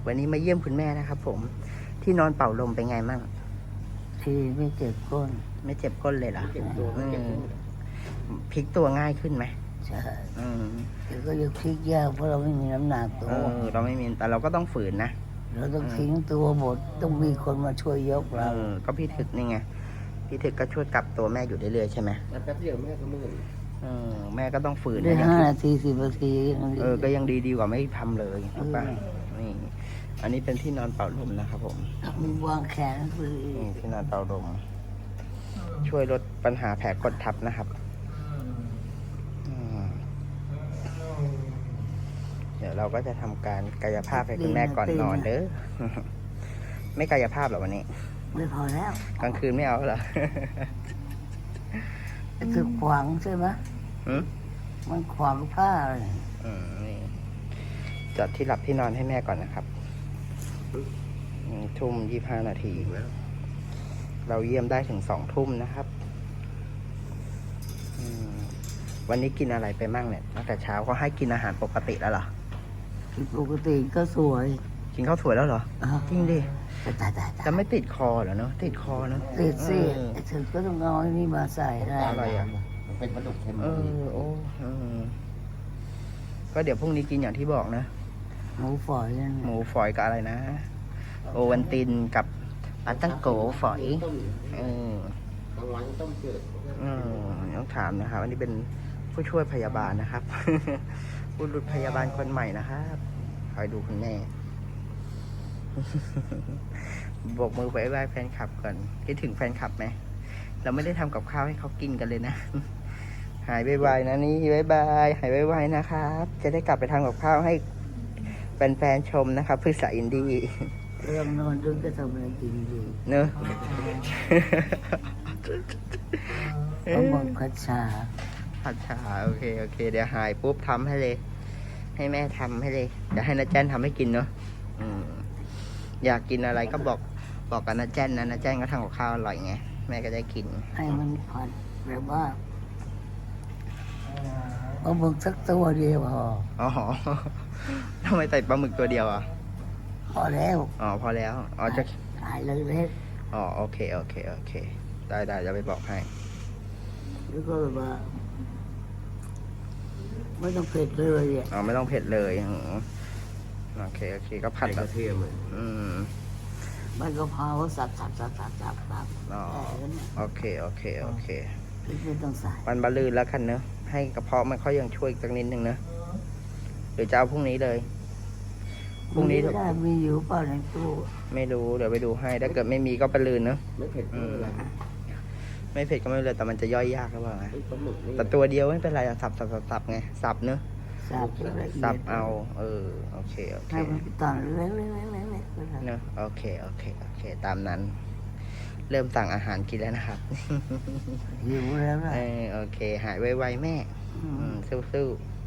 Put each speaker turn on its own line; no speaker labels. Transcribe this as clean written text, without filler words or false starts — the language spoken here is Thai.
วันนี้มาเยี่ยมคุณแม่นะครับผมที่นอนเป่าลมเป็นไงมั่ง
ที่ไม่เจ็บก้น
ไม่เจ็บก้นเลยเหรอ
เก็บตัวไม่เก็บตัว
พลิกตัวง่ายขึ้นไหม
ใช่
อืม
แต่ก็ยังพลิกยากเพราะเราไม่มีน้ำหนักตัว
เราไม่มีแต่เราก็ต้องฝืนนะ
เราต้องทิ้งตัวหมดต้องมีคนมาช่วยยกเรา
ก็พี่ถึกนี่ไงพี่ถึกก็ช่วยกลับตัวแม่อยู่เรื่อยๆใช่ไหม
แป๊บเดียวแม่ก็เมื่อย
แม่ก็ต้องฝืน
ได้
นะ
5 นาที 10 นาทียังดี
ก็ยังดีกว่าไม่ทำเลยถูกป่ะนี่อันนี้เป็นที่นอนเป่าลมนะครับผม
มีวางแขนคือ
นี่ที่นอนเป่าลมช่วยลดปัญหาแผลกดทับนะครับเดี๋ยวเราก็จะทำการกายภาพให้คุณแม่ก่อนนอนเด้อ ไม่กายภาพหรอวันนี้
ไม่พอแล้ว
กลางคืนไม่เอาเหรอ
คือขวางใช่ไหม
หืม
มันขวางผ้าเลย
นี่จัดที่หลับที่นอนให้แม่ก่อนนะครับทุ่ม25 นาที
แล้ว
เราเยี่ยมได้ถึง2 ทุ่มนะครับวันนี้กินอะไรไปมั่งเนี่ยตั้งแต่เช้าเขาให้กินอาหารปกติแล้วเหรอ
คือปกติก็สวย
กินข้าวสวยแล้วเหรอ จริงดิ
ตาย
จะไม่ติดคอเหรอเนาะติดคอเนาะ
ติดสิ
เออ
ถึงก็ต้องเอาไอ้นี่มาใส่ได้
อะไรอ่ะ
มันเป็นปลาดุกเค็ม
โอ้ก็เดี๋ยวพรุ่งนี้กินอย่างที่บอกนะ
หมูฝอยนั่น
หมูฝอยกับอะไรนะ โอวันตินกับปลาตั้งโกฝอย
ต้ม
เออบ
างวันต้มจืด
ต้องถามนะครับอันนี้เป็นผู้ช่วยพยาบาลนะครับ ผู้รุษพยาบาลคนใหม่นะครับคอยดูคุณแม่ บอกมือไปบายแฟนคลับก่อนคิดถึงแฟนคลับไหมเราไม่ได้ทำกับข้าวให้เขากินกันเลยนะ หายไวๆนะนี่บายหายไวๆนะครับ จะได้กลับไปทำกับข้าวให้แฟนๆชมนะครับพืชสายอินดี้
เรื่องนอนดึกก็ทำอะไรกินดี
เนอะ
ต้องบังคับชา
ผัดฉาโอเคเดี๋ยวหายปุ๊บทำให้เลย ให้แม่ทำให้เลยเดี๋ยวให้น้าแจ้นทำให้กินเนาะอยากกินอะไรก็บอกกับน้าแจ้นนะน้าแจ้นก็ทำกับข้าวอร่อยไงแม่ก็ได้กิน
ให้มันผัดแบบว่าเอาหมึกสักตัวเดียวพอ
อ๋อ ทำไมใส่ปลาหมึกตัวเดียวอ่ะ
พอแล้ว
พอแล้วจะ
หายเลยเล็ก
โอเคได้จะไปบอกให้
แล้วก็แบบว่าไม่ต้องเผ็ดเลยอ่ะ
ไม่ต้องเผ็ดเลยโอเคก็ผั
ผั
ด
ดก
แบ
ระ
บ
เทียมเลย
มันก็พาว่าสับ
โอเค
ไม่ต้องใส่
วันบะลืนแล้วกันเนอะให้กระเพาะมันเขายังช่วยอีกสักนิดนึงเนอะหรือจะเอาพรุ่งนี้เลยพรุ่งนี้
ไม่ได้มีอยู่เปล่าในตู้
ไม่รู้เดี๋ยวไปดูให้ถ้าเกิดไม่มีก็บะลืนเนอะ
ไม่เผ็ดไม่เป็นไร
ไม่เผ็ดก็ไม่เป็นไรแต่มันจะย่อยยากหรือเปล่าไง
ปลาหมึกนี่
แต่ตัวเดียวไม่เป็นไรสับไงสับเนอะ
สับละเอีย
สับ
ด
เอาโอเค
ให้มันตอนเล็กๆ
เนอะโอเคตามนั้น เริ่มสั่งอาหารกินแล้วนะครับ
หิวแล้วนะ
โอเคหายไวๆแม่สู้ๆ